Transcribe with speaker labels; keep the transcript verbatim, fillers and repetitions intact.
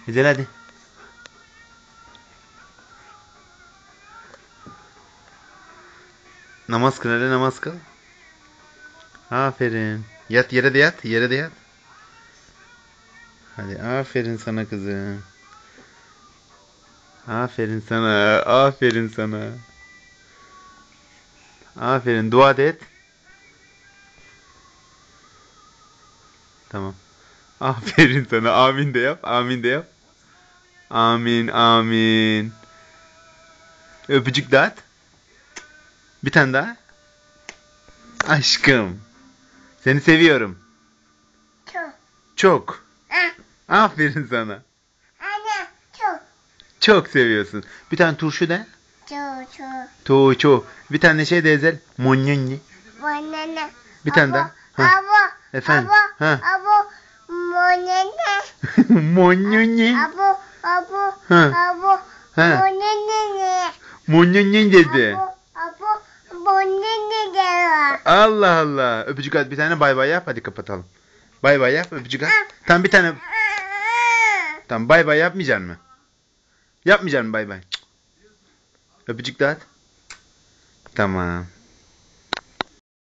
Speaker 1: Güzel hadi. Namaz kıl hadi, namaz kıl. Aferin. Yat yere de yat. Yere de yat. Hadi aferin sana kızım. Aferin sana. Aferin sana. Aferin. Dua da et. Tamam. Aferin sana. Amin de yap. Amin de yap. Amin. Amin. Öpücük dağıt. Bir tane daha. Aşkım. Seni seviyorum.
Speaker 2: Çok.
Speaker 1: Çok.
Speaker 2: Ah,
Speaker 1: Aferin sana.
Speaker 2: Anne çok.
Speaker 1: Çok seviyorsun. Bir tane turşu de.
Speaker 2: Çok çok.
Speaker 1: Tuğçu. Bir tane şey de ezel. Monyonyi.
Speaker 2: Banana.
Speaker 1: Bir tane daha. Ha.
Speaker 2: Abo.
Speaker 1: Efendim.
Speaker 2: Abo.
Speaker 1: Ha.
Speaker 2: Abo. Banana.
Speaker 1: Monyonyi.
Speaker 2: Abo. Abo.
Speaker 1: Ha.
Speaker 2: Abo.
Speaker 1: Ha.
Speaker 2: Banana.
Speaker 1: Monyonyi dedi.
Speaker 2: Abo. Abo. Banana de.
Speaker 1: Allah Allah. Öpücük at bir tane, bay bay yap, hadi kapatalım. Bay bay yap, öpücük at. Tamam bir tane. Tamam bay bay yapmayacaksın mı? Yapmayacaksın mı bay bay? Öpücük de at. Tamam.